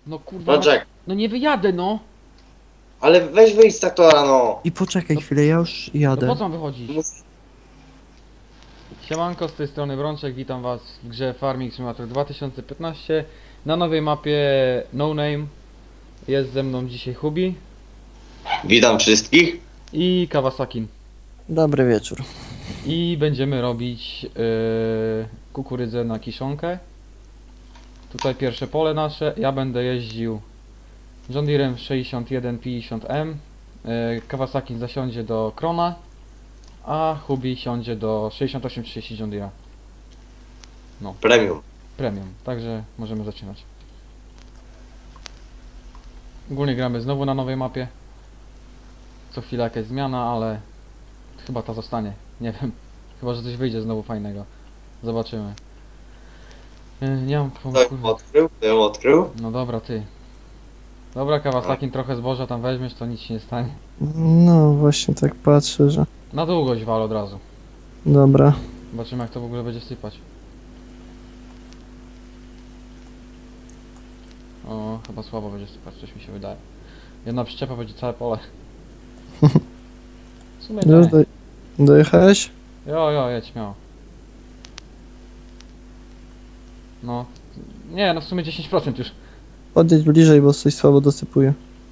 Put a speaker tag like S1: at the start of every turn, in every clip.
S1: No kurwa,
S2: No Jack,
S1: no nie wyjadę no!
S2: ale weź wyjdź z traktora, no.
S3: I poczekaj
S1: No-
S3: chwilę, ja już
S1: No
S3: jadę.
S1: po co mam wychodzić?
S2: Mus-
S1: Siemanko, z tej strony Brączek, witam was w grze Farming Simulator 2015 na nowej mapie No Name. Jest ze mną dzisiaj Hubi
S2: Witam wszystkich.
S1: i Kawasakin.
S3: Dobry wieczór.
S1: I będziemy robić kukurydzę na kiszonkę. Tutaj pierwsze pole nasze. Ja będę jeździł John Deerem 6150M. Kawasakin zasiądzie do Krona, a Hubi siądzie do 6830 John Deera
S2: Premium.
S1: Premium. Także możemy zaczynać. Ogólnie gramy znowu na nowej mapie. Co chwila jakaś zmiana, ale chyba ta zostanie. Nie wiem. Chyba, że coś wyjdzie znowu fajnego. Zobaczymy. Nie mam
S2: Kto ją
S1: kurwa.
S2: odkrył? Kto ją odkrył?
S1: No dobra, ty. Dobra, Kawasakin, trochę zboża tam weźmiesz, to nic się nie stanie.
S3: No właśnie tak patrzę, że...
S1: Na długość wal od razu.
S3: Dobra.
S1: Zobaczymy, jak to w ogóle będzie sypać. O, chyba słabo będzie sypać, coś mi się wydaje. Jedna przyczepa będzie całe pole. W sumie
S3: Już
S1: nie.
S3: dojechałeś?
S1: Jo, jedź śmiało. No. Nie, no w sumie 10% już.
S3: Podjedź bliżej, bo coś słabo dosypuje.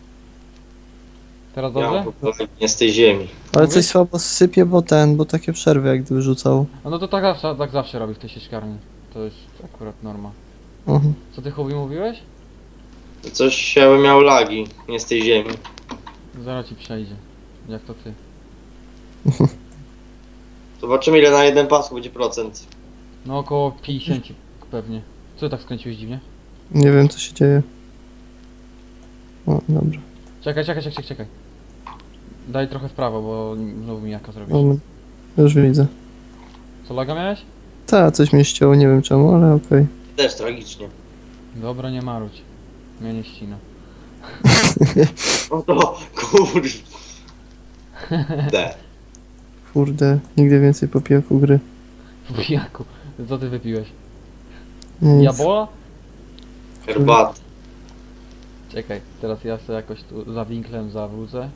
S1: Teraz
S2: Ja
S1: dobrze?
S2: mam po prostu nie z tej ziemi.
S3: Ale
S1: Mówisz?
S3: coś słabo sypie, bo takie przerwy jak gdyby rzucał.
S1: No to tak zawsze robi w tej sieczkarni. To jest akurat norma.
S3: Mhm.
S1: Co ty Hubi mówiłeś?
S2: Coś się miał lagi, nie z tej ziemi.
S1: Zaraz ci przejdzie. Jak to ty?
S2: Zobaczymy ile na jeden pasku będzie procent.
S1: No około 50 pewnie. Co ty tak skręciłeś dziwnie?
S3: Nie wiem co się dzieje. O, dobra.
S1: Czekaj. Daj trochę w prawo, bo znowu mi jaka zrobisz.
S3: Moment. Już widzę.
S1: Co, laga miałeś?
S3: Ta, coś mnie ścięło, nie wiem czemu, ale okej.
S2: Też tragicznie.
S1: Dobra, nie marudź. Mnie nie ścina.
S2: No to kurde.
S3: Kurde, nigdy więcej po pijaku gry.
S1: Bujaku, co ty wypiłeś?
S3: Nic.
S1: Jabola?
S2: Herbat.
S1: Czekaj, teraz ja sobie jakoś tu za winklem zawrócę.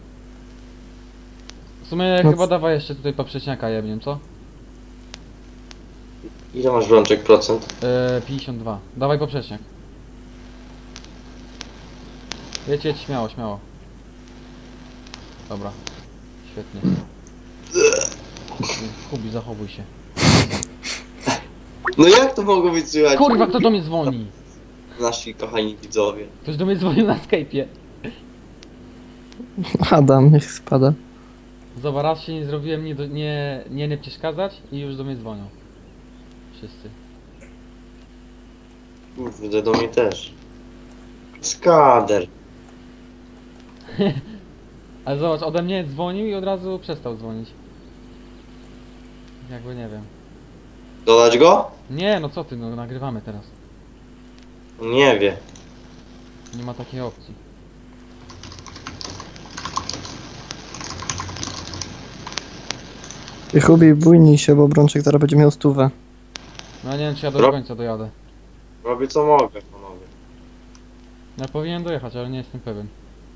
S1: W sumie
S3: No
S1: chyba dawaj jeszcze tutaj poprzeczniaka jebniem, co?
S2: Ile masz Brączek procent?
S1: 52. Dawaj poprzeczniak. Jedź, śmiało. Dobra. Świetnie. Hubi, zachowuj się.
S2: No jak to mogło być słychać?
S1: Kurwa, kto do mnie dzwoni?
S2: Nasi kochani widzowie.
S1: Ktoś do mnie dzwonił na Skype'ie.
S3: Adam, niech spada.
S1: Zobacz, raz się nie zrobiłem, nie przeszkadzać i już do mnie dzwonią. Wszyscy.
S2: Kurde, do mnie też. Skader.
S1: Ale zobacz, ode mnie dzwonił i od razu przestał dzwonić. Jakby nie wiem.
S2: Dodać go?
S1: Nie, no co ty, no nagrywamy teraz.
S2: Nie wie.
S1: Nie ma takiej opcji.
S3: I Hubi, bójnij się, bo Brączek teraz będzie miał stówę.
S1: No ja nie wiem, czy ja do
S2: Ro-
S1: końca dojadę.
S2: Robię co mogę, panowie.
S1: Ja powinienem dojechać, ale nie jestem pewien.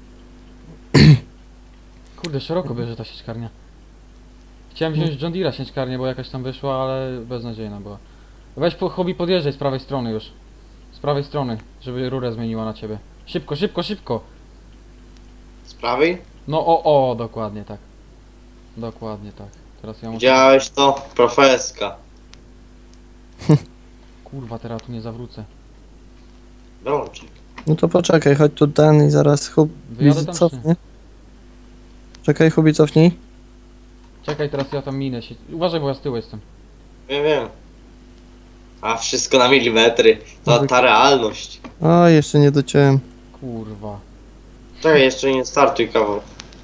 S1: Kurde, szeroko bierze ta sieczkarnia. Chciałem wziąć John Deere'a sieczkarnię, bo jakaś tam wyszła, ale beznadziejna była. Weź po Hobby, podjeżdżaj z prawej strony już. Z prawej strony, żeby rurę zmieniła na ciebie. Szybko!
S2: Z prawej?
S1: No dokładnie tak. Dokładnie tak. Teraz ja muszę...
S2: Widziałeś to? Profeska.
S1: Kurwa, teraz tu nie zawrócę.
S2: Brączek.
S3: No to poczekaj, chodź tu ten i zaraz Hubi
S1: Wyjadę tam, czy
S3: cofnie. Czekaj, Hubi cofnij.
S1: Czekaj, teraz ja tam minę się. Uważaj, bo ja z tyłu jestem.
S2: Wiem. A wszystko na milimetry. To ta realność.
S3: O, jeszcze nie dociąłem.
S1: Kurwa.
S2: Czekaj, jeszcze nie startuj kawał.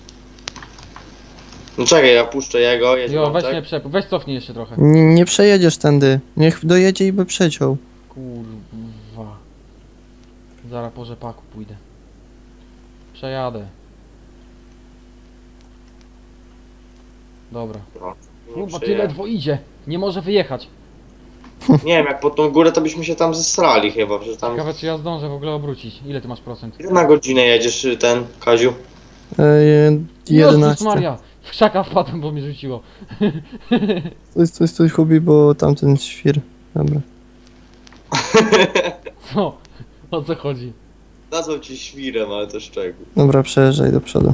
S2: No czekaj, ja puszczę jego, jedź
S1: Jo, weź
S2: Brączek.
S1: mnie weź cofnij jeszcze trochę.
S3: Nie przejedziesz tędy. Niech dojedzie i by przeciął.
S1: Kurwa. Zaraz po rzepaku pójdę. Przejadę. Dobra.
S2: No, nie
S1: Kurwa, ty
S2: przejadę.
S1: ledwo idzie. Nie może wyjechać.
S2: Nie wiem, jak pod tą górę to byśmy się tam zesrali chyba, że tam...
S1: Ciekawe czy ja zdążę w ogóle obrócić. Ile ty masz procent?
S2: Ile na godzinę jedziesz ten, Kaziu?
S1: Jezus
S3: 11.
S1: Maria! W krzaka wpadłem, bo mnie rzuciło.
S3: Stój, Hubi, bo tamten świr. Dobra.
S1: Co? O co chodzi?
S2: Nazwał cię świrem, ale to szczegół.
S3: Dobra, przejeżdżaj do przodu.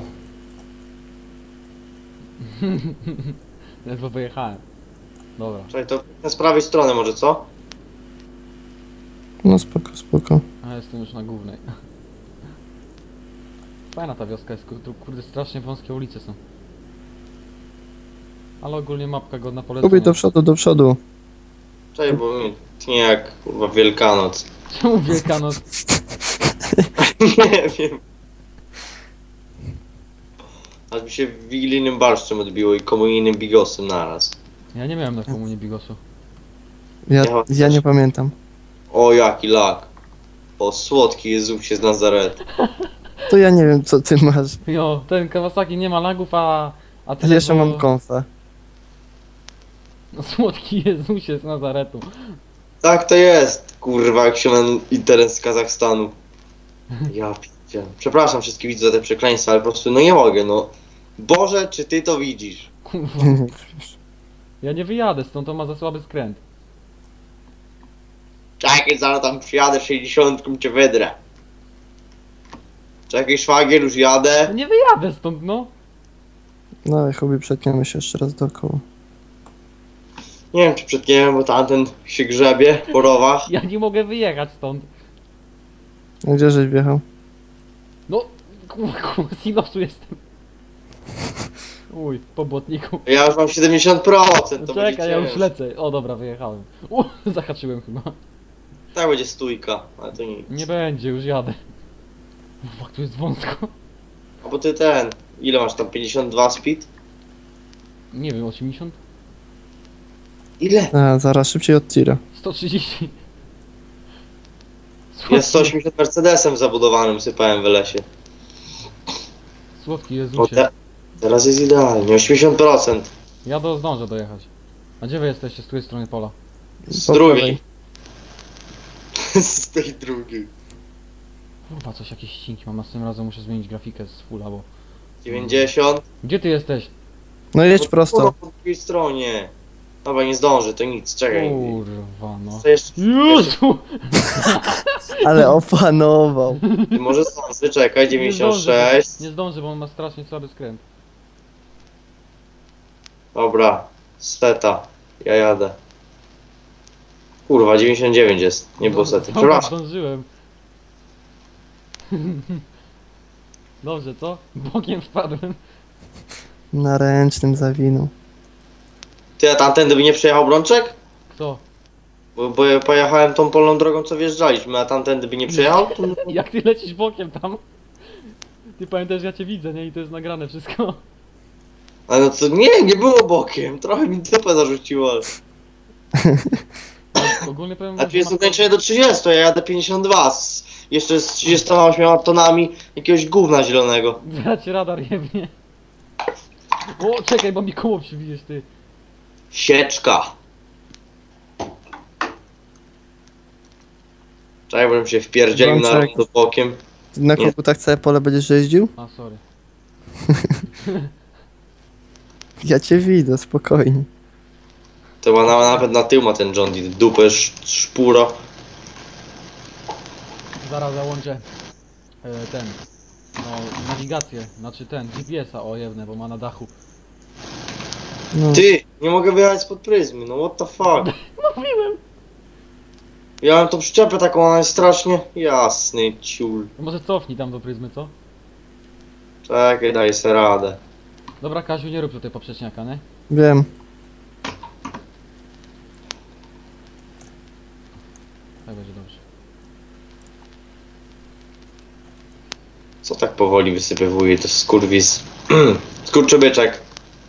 S1: Ledwo wyjechałem. Dobra.
S2: Czekaj, to z prawej strony może, co?
S3: No spoko.
S1: A jestem już na głównej. Fajna ta wioska jest, tu kurde strasznie wąskie ulice są. Ale ogólnie mapka godna
S3: Hubi,
S1: polecenia.
S3: do przodu.
S2: Czekaj, bo mi tnie jak kurwa Wielkanoc.
S1: Czemu Wielkanoc?
S2: Nie wiem. Aż mi się wigilijnym barszczem odbiło i komunijnym bigosem naraz.
S1: Ja nie miałem na komunie bigosu.
S3: Ja nie pamiętam.
S2: O, jaki lak. O, słodki Jezusie z Nazaretu.
S3: To ja nie wiem, co ty masz.
S1: Jo, ten Kawasaki nie ma lagów, a
S3: Ja
S1: ten
S3: jeszcze mam konfę.
S1: No słodki Jezusie z Nazaretu.
S2: Tak to jest, kurwa, jak się ma internet z Kazachstanu. Ja pierdzielę. Przepraszam wszystkich widzów za te przekleństwa, ale po prostu no nie mogę, no. Boże, czy ty to widzisz?
S1: Kurwa. Ja nie wyjadę stąd, to ma za słaby skręt.
S2: Czekaj, zaraz tam przyjadę 60 cię wydrę. Czekaj, szwagier, już
S1: Ja
S2: jadę.
S1: nie wyjadę stąd, no.
S3: No i Hubi, przetniemy się jeszcze raz dookoła.
S2: Nie wiem, czy przetniemy, bo tamten się grzebie po rowach.
S1: Ja nie mogę wyjechać stąd.
S3: A gdzie żeś wjechał?
S1: No, kurwa, silosu jestem. Uj, po błotniku.
S2: Ja już mam 70%, to
S1: No
S2: będzie
S1: czekaj, ja już
S2: ciężko.
S1: lecę. O dobra, wyjechałem. Zahaczyłem chyba.
S2: Tak będzie stójka, ale to nic.
S1: Nie będzie, już jadę. Fuck, tu jest wąsko.
S2: A bo ty ten, ile masz tam, 52 speed?
S1: Nie wiem, 80?
S2: Ile?
S3: A, zaraz szybciej od tira.
S1: 130.
S2: Jest 180 Mercedesem zabudowanym, sypałem w lesie.
S1: Słodki
S2: O,
S1: Jezusie.
S2: teraz jest idealnie, 80%.
S1: Ja zdążę dojechać. A gdzie wy jesteście z której strony pola?
S2: Z
S3: Po
S2: drugiej.
S3: prawej.
S2: Z tej drugiej.
S1: Kurwa, coś jakieś ścinki mam, a z tym razem muszę zmienić grafikę z fulla, bo...
S2: 90.
S1: Gdzie ty jesteś?
S3: No jedź prosto.
S2: Po drugiej stronie. Dobra, nie zdąży, to nic, czekaj.
S1: Kurwa, no.
S2: Co jeszcze?
S1: Jezu!
S3: Ale opanował.
S2: Ty może zdąży, czekaj,
S1: Nie zdążę,
S2: 96.
S1: nie zdążę, bo on ma strasznie słaby skręt.
S2: Dobra, seta. Ja jadę. Kurwa, 99 jest, nie było sety.
S1: Dobra,
S2: Przepraszam.
S1: zdążyłem. Dobrze, co? Bokiem wpadłem.
S3: Na ręcznym zawinął.
S2: Ty, a tamtędy by nie przejechał Brączek?
S1: Kto?
S2: Bo ja pojechałem tą polną drogą, co wjeżdżaliśmy, a tamtędy by nie przejechał? To...
S1: Jak ty lecisz bokiem tam? Ty pamiętasz, ja cię widzę, nie? I to jest nagrane wszystko.
S2: Ale no to nie było bokiem, trochę mi dupę zarzuciło. Ale...
S1: Ogólnie powiem
S2: A
S1: wam,
S2: tu
S1: że
S2: jest
S1: ma-
S2: ograniczenie do 30, ja jadę 52 jeszcze z 38 tonami jakiegoś gówna zielonego.
S1: Zaraz cię radar jebnie. O, czekaj, bo mi koło przybijesz, ty.
S2: Sieczka. Czekaj, bym się wpierdzielił na
S3: Brączek.
S2: rondo bokiem.
S3: Ty na
S2: Nie.
S3: kogutach całe pole będziesz jeździł?
S1: A, sorry.
S3: Ja cię widzę, spokojnie.
S2: To ma nawet na tył ma ten John Deere, dupę szpuro.
S1: Zaraz załączę ten, no, nawigację, znaczy ten, GPS-a, o jebne, bo ma na dachu.
S3: No.
S2: Ty, nie mogę wyjechać spod pryzmy, no what the fuck.
S1: Mówiłem!
S2: Ja mam tą przyczepę taką, ona jest strasznie jasny ciul.
S1: To może cofnij tam do pryzmy, co?
S2: Czekaj, daj sobie radę.
S1: Dobra, Kaziu, nie rób tutaj poprzeczniaka, nie?
S3: Wiem.
S1: Tak będzie dobrze.
S2: Co tak powoli wysypywuje, to skurwis. Skurczybyczek.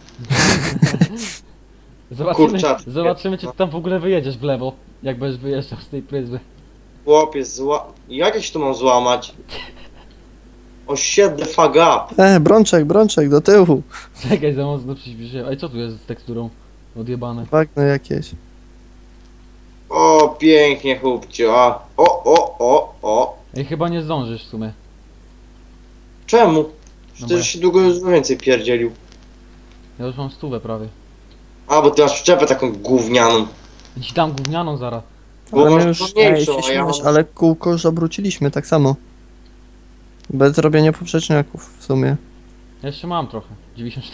S1: Zobaczymy,
S2: Kurczak.
S1: zobaczymy, czy ty tam w ogóle wyjedziesz w lewo, jak będziesz wyjeżdżał z tej pryzmy.
S2: Chłopiec, jakieś tu mam złamać? O shit the fuck up.
S3: Brączek, do tyłu.
S1: Czekaj, za mocno przyspieszyłem. Ej, co tu jest z teksturą? Odjebane.
S3: Bagno jakieś.
S2: O pięknie, chłopcie, a. O.
S1: Ej, chyba nie zdążysz w sumie.
S2: Czemu?
S1: No
S2: Przecież się długo już więcej pierdzielił.
S1: Ja już mam 100 prawie.
S2: A, bo ty masz przyczepę taką gównianą.
S1: Ci dam gównianą zaraz.
S2: Bo
S3: Ale my
S2: masz
S3: już,
S2: mniejszą,
S3: ej, się
S2: a ja
S3: śmiałeś,
S2: mam...
S3: ale kółko już obróciliśmy tak samo. Bez robienia poprzeczniaków w sumie.
S1: Ja jeszcze mam trochę. 94%.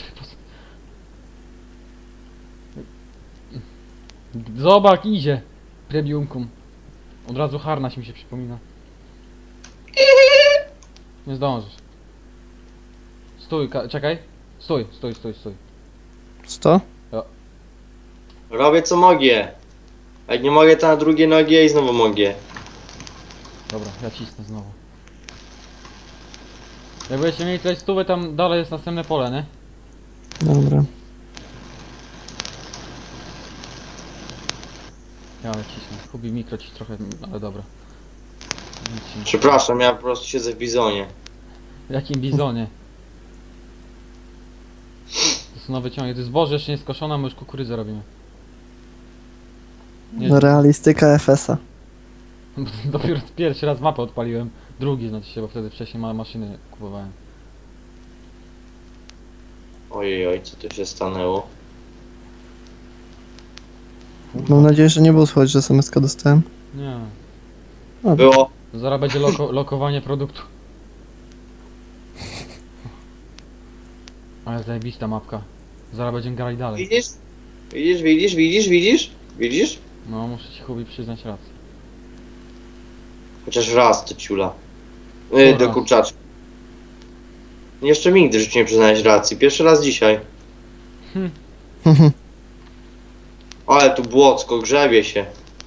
S1: Zobacz, idzie. Premiumkum. Od razu harnaś mi się przypomina. Nie zdążysz. Stój, czekaj. Stój.
S3: 100?
S2: Robię co mogę. Jak nie mogę, to na drugie nogi i znowu mogę.
S1: Dobra, ja cisnę znowu. Jak będziecie mieli tutaj 100, tam dalej jest następne pole, nie?
S3: Dobra.
S1: Ja ale cisnę. Kubi mikro ci trochę, ale dobra. Nic się nie-
S2: Przepraszam, ja po prostu siedzę w bizonie.
S1: W jakim bizonie? To są nowe ciągi. To jest zboże jeszcze nie skoszone, my już kukurydzę robimy. Nie,
S3: No, realistyka FS-a.
S1: dopiero pierwszy raz mapę odpaliłem. Drugi znaczy się, bo wtedy wcześniej maszyny kupowałem.
S2: Ojej, co tu się stanęło?
S3: Mam nadzieję, że nie było słychać, że SMS-ka dostałem.
S1: Nie.
S2: Było.
S1: To zaraz będzie lokowanie produktu. Ale zajebista mapka. Zaraz będziemy grali dalej.
S2: Widzisz?
S1: No, muszę ci Hubi przyznać rację.
S2: Chociaż raz to ciula.
S1: No
S2: Do
S1: raz.
S2: kurczaczka. Jeszcze mi nigdy w życiu nie przyznałeś racji. Pierwszy raz dzisiaj. Ale tu błocko, grzebie się.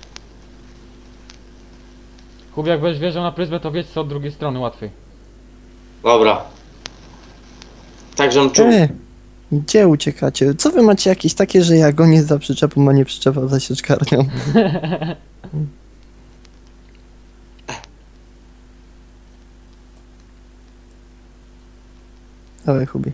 S1: Hubi, jak będziesz wjeżdżał na pryzmę, to wiedz co od drugiej strony łatwiej.
S2: Dobra. Tak, żebym czuł.
S3: Gdzie uciekacie? Co wy macie jakieś takie, że ja gonię za przyczepą, a nie przyczepa za sieczkarnią? Dawaj, Hubi.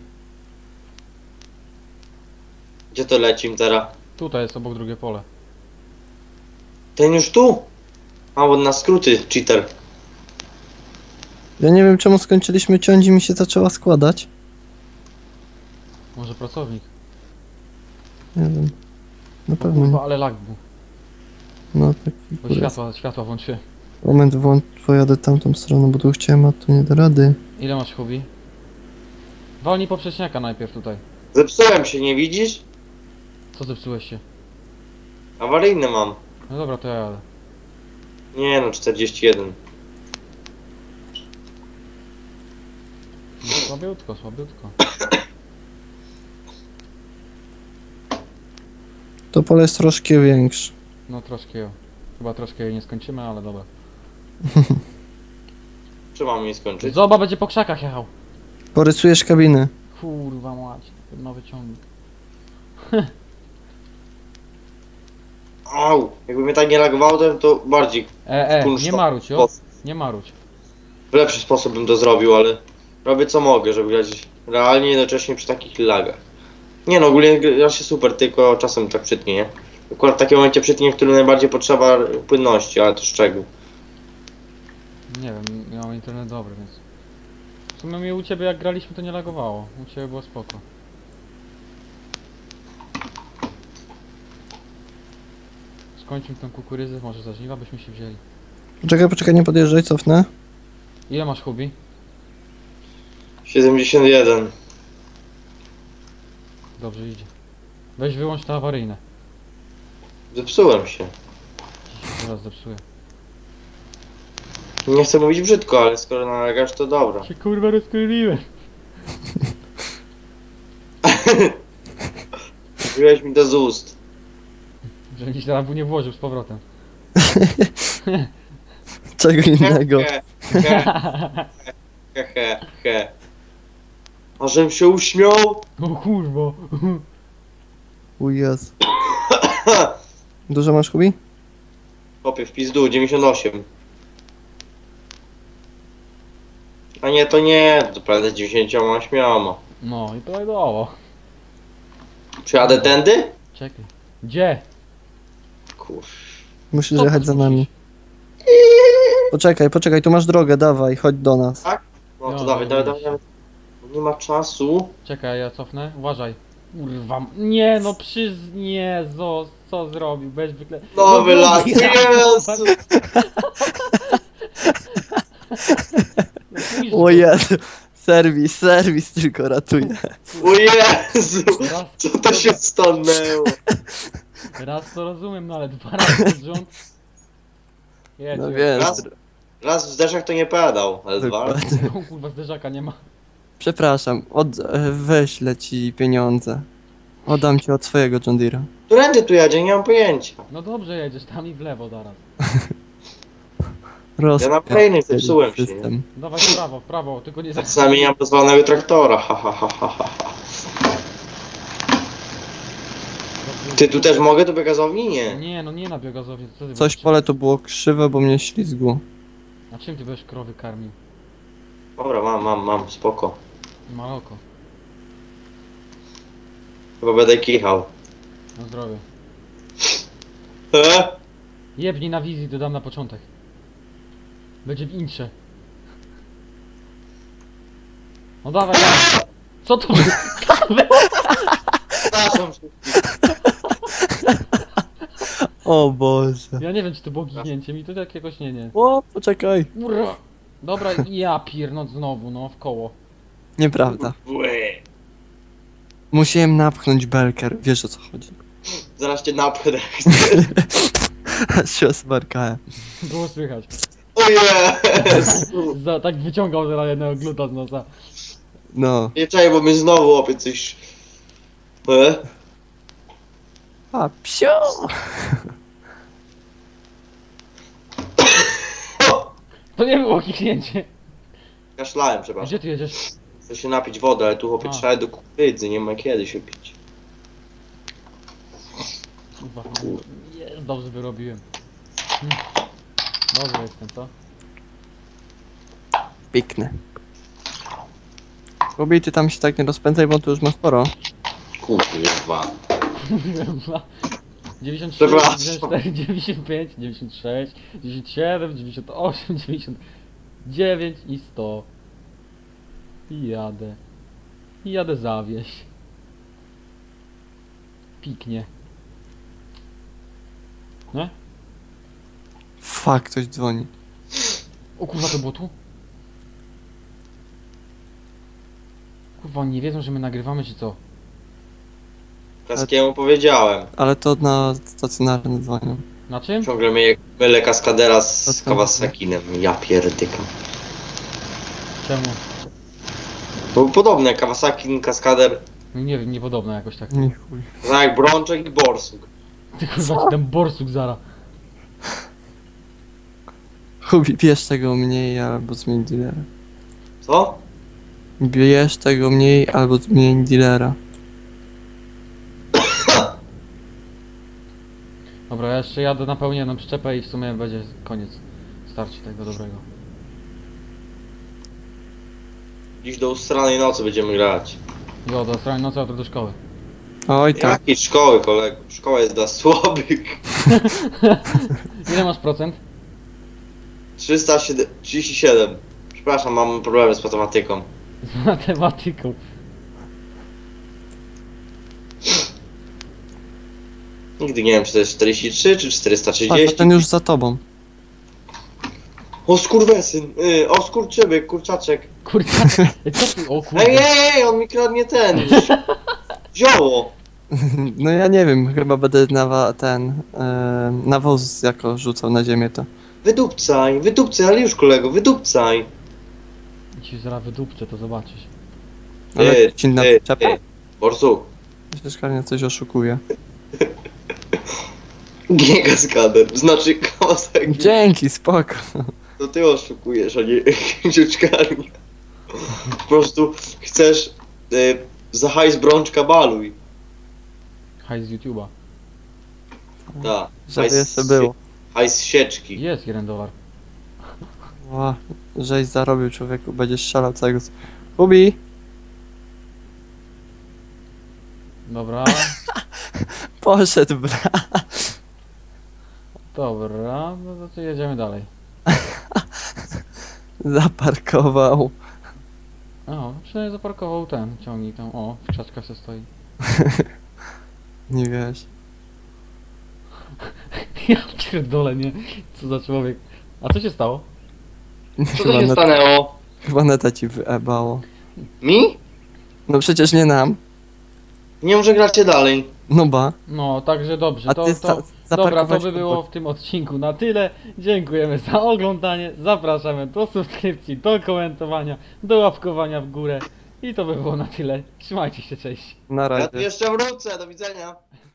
S2: Gdzie to lecim teraz?
S1: Tutaj jest obok drugie pole.
S2: Ten już tu? A, bo na skróty, cheater.
S3: Ja nie wiem, czemu skończyliśmy ciąć i mi się zaczęła składać.
S1: Może pracownik.
S3: Nie wiem. Na
S1: O
S3: pewno
S1: kurwa,
S3: nie.
S1: ale lag był.
S3: No taki
S1: Bo
S3: kurde.
S1: światła włączyłem.
S3: Moment, pojadę tamtą stroną, bo tu chciałem, a tu nie da rady.
S1: Ile masz Hubi? Walnij poprzeczniaka najpierw tutaj.
S2: Zepsułem się, nie widzisz?
S1: Co zepsułeś się?
S2: Awaryjne mam.
S1: No dobra, to ja jadę.
S2: Nie no, 41.
S1: No, słabiutko.
S3: To pole jest troszkę większe.
S1: No troszkę jo. Chyba troszkę jej nie skończymy, ale dobra.
S2: Czy mam je skończyć?
S1: Zoba będzie po krzakach jechał.
S3: Porysujesz kabinę.
S1: Kurwa mać, ten nowy ciągnik.
S2: Au! Jakby mnie tak nie lagowało, to bardziej
S1: Nie maruć, jo? Nie maruć.
S2: w lepszy sposób bym to zrobił, ale robię co mogę, żeby grać realnie jednocześnie przy takich lagach. Nie no, ogólnie gra się super, tylko czasem tak przytnie, nie? Akurat w takim momencie przytnie, w którym najbardziej potrzeba płynności, ale to szczegół.
S1: Nie wiem, ja mam internet dobry, więc... W sumie mnie u ciebie jak graliśmy to nie lagowało. U ciebie było spoko. Skończmy tę kukurydzę, może za żniwa byśmy się wzięli.
S3: Poczekaj, nie podjeżdżaj, cofnę.
S1: Ile masz Hubi?
S2: 71.
S1: Dobrze idzie. Weź wyłącz te awaryjne.
S2: Zepsułem się.
S1: Zaraz zepsuję.
S2: Nie chcę mówić brzydko, ale skoro nalegasz, to dobra.
S1: Się kurwa rozkryliłem.
S2: Wziąłeś mi to z ust.
S1: Żebym ci teraz nie włożył z powrotem.
S3: Czego innego.
S2: He. A żebym się uśmiał?
S1: O kurwa.
S3: O Jezu. Dużo masz, Hubi?
S2: Chłopie, w pizdu, 98. A nie, to nie, to prawda 98.
S1: No i prawidłowo.
S2: Czy jadę tędy?
S1: Czekaj. Gdzie?
S2: Kur...
S3: Musisz
S1: Co
S3: jechać za
S1: musisz?
S3: nami. Poczekaj, tu masz drogę, dawaj, chodź do nas.
S2: No to
S1: No,
S2: dawaj,
S1: no,
S2: dawaj. Nie ma czasu.
S1: Czekaj, ja cofnę. Uważaj. Kurwa. Nie no, nie, co zrobił? Bez wykle...
S2: Nowy
S1: no,
S2: lag,
S1: ja-
S2: Jezu!
S1: No, pójdź
S3: O
S1: go.
S3: Jezu, serwis tylko ratuje.
S2: O Jezu!
S1: Raz,
S2: Co to się stanęło?
S1: raz to rozumiem, no ale dwa razy pod rząd. Jedź,
S3: No
S1: jedź.
S3: wiesz,
S2: Raz w zderzak to nie pedał, ale dwa.
S3: dokładnie.
S1: O kurwa, zderzaka nie ma.
S3: Przepraszam, wyślę ci pieniądze. Oddam ci od swojego John Deere'a.
S2: Którędy tu jedzie? Nie mam pojęcia.
S1: No dobrze jedziesz, tam i w lewo zaraz.
S2: Ja na kolejnej zepsułem się,
S3: system.
S1: Dawaj w prawo, tylko nie za...
S2: Czasami nie mam pozwolonego traktora, ha ha ha ha ha. Ty tu też mogę do biegazowni? Nie.
S1: Nie, no nie na biogazowie. Co ty
S3: Coś
S1: będziesz-
S3: pole tu było krzywe, bo mnie ślizgło.
S1: A czym ty będziesz krowy karmił?
S2: Dobra, mam, spoko.
S1: Maloko.
S2: Chyba będę kichał.
S1: Na zdrowie.
S2: E?
S1: Jebnij na wizji, dodam na początek. Będzie w intrze. No dawaj, dawaj. Co to było?
S2: Przepraszam wszystkich.
S3: O Boże.
S1: Ja nie wiem, czy to było gignięcie, mi to tak jakoś nie.
S3: O, poczekaj.
S1: Ura. Dobra, ja piernąc znowu, no, w koło.
S3: Nieprawda.
S2: Łe.
S3: Musiałem napchnąć belker, wiesz o co chodzi.
S2: Zaraz cię napchnę.
S3: Aż się osmarkałem.
S1: Było słychać.
S2: O Jezu!
S1: Tak wyciągał zaraz jednego gluta z nosa.
S3: No.
S2: Nie czekaj, bo mi znowu łapie coś. E?
S3: A, psio!
S1: To nie było kichnięcie.
S2: Kaszlałem, przepraszam.
S1: Gdzie ty jedziesz?
S2: Chcę się napić wody, ale tu chłopie
S1: A.
S2: trzeba do kukurydzy, nie ma kiedy się pić.
S1: Kurwa. Jest, dobrze wyrobiłem. Dobrze jestem, co?
S3: Piękne. Kubi, ty tam się tak nie rozpędzaj, bo tu już masz sporo.
S2: Kurwa.
S1: 93,
S2: Przepraszam.
S1: 94, 95, 96, 97, 98, 99 i 100. I jadę. I jadę zawieść. Piknie. Nie?
S3: Fuck, ktoś dzwoni.
S1: O kurwa, to było tu? Kurwa, oni nie wiedzą, że my nagrywamy, czy co?
S2: Kaskiemu powiedziałem.
S3: Ale to na stacjonarne dzwonią.
S1: Na czym?
S2: Ciągle mylę kaskadera z
S3: To co?
S2: Kawasakinem. Ja pierdykam.
S1: Czemu?
S2: To podobne, Kawasaki, kaskader,
S1: No nie wiem, niepodobne jakoś tak.
S3: Nie chuj.
S2: tak jak Brączek i Borsuk.
S1: Ty kurwa, ci ten borsuk zara.
S3: Kubi, bierz tego mniej albo zmień dealera.
S2: Co?
S3: Bierz tego mniej albo zmień dealera.
S1: Dobra, ja jeszcze jadę napełnię jedną przyczepę i w sumie będzie koniec. Starczy tego dobrego.
S2: Dziś do ustranej nocy będziemy grać.
S1: Jo, do strony nocy, jutro do szkoły.
S3: Oj tak.
S2: Jakiej szkoły, kolego? Szkoła jest dla słabych.
S1: Ile masz procent?
S2: 337. Przepraszam, mam problemy z matematyką.
S1: Z matematyką.
S2: Nigdy nie wiem, czy to jest 43 czy
S3: Patrz,
S2: 430.
S3: ten już za tobą.
S2: O skurwesyn, o skurczybyk, kurczaczek.
S1: Kurczę, co ty? O kurde.
S2: Ej, on mi kradnie ten. Zioło.
S3: No ja nie wiem, chyba będę nawóz jako rzucał na ziemię to.
S2: Wydupcaj, ale już kolego, wydupcaj.
S1: Ci zaraz wydupczę, to zobaczysz.
S3: Ale ci na przyczepę?
S2: Borsuk,
S3: Przecież Karnia coś oszukuje.
S2: nie kaskader, znaczy Kawasaki.
S3: Dzięki, spoko.
S2: To ty oszukujesz, a nie dziuczkarnia. Po prostu chcesz za hajs Brączka baluj.
S1: Hajs z YouTube'a.
S2: Tak.
S3: Żeby jeszcze było.
S2: Hajs sieczki.
S1: Jest $1.
S3: Ła, żeś zarobił człowieku, będziesz strzelał całego... Kubi!
S1: Dobra.
S3: Poszedł, bra.
S1: Dobra, no to jedziemy dalej.
S3: Zaparkował.
S1: O, przynajmniej zaparkował ten ciągnik tam. O, w krzaczkach se stoi.
S3: Nie wiesz.
S1: Ja pierdolę, nie? Co za człowiek. A co się stało?
S2: Co to się stanęło?
S3: Chyba neta ci wyebało.
S2: Mi?
S3: No przecież nie nam.
S2: Nie może gracie dalej.
S3: No ba.
S1: No, także dobrze.
S3: A
S1: To,
S3: ty
S1: to, dobra, to
S3: zaparkować
S1: by było w tym odcinku na tyle. Dziękujemy za oglądanie. Zapraszamy do subskrypcji, do komentowania, do łapkowania w górę. I to by było na tyle. Trzymajcie się, cześć.
S3: Na
S2: Ja
S3: razie.
S2: tu jeszcze wrócę, do widzenia.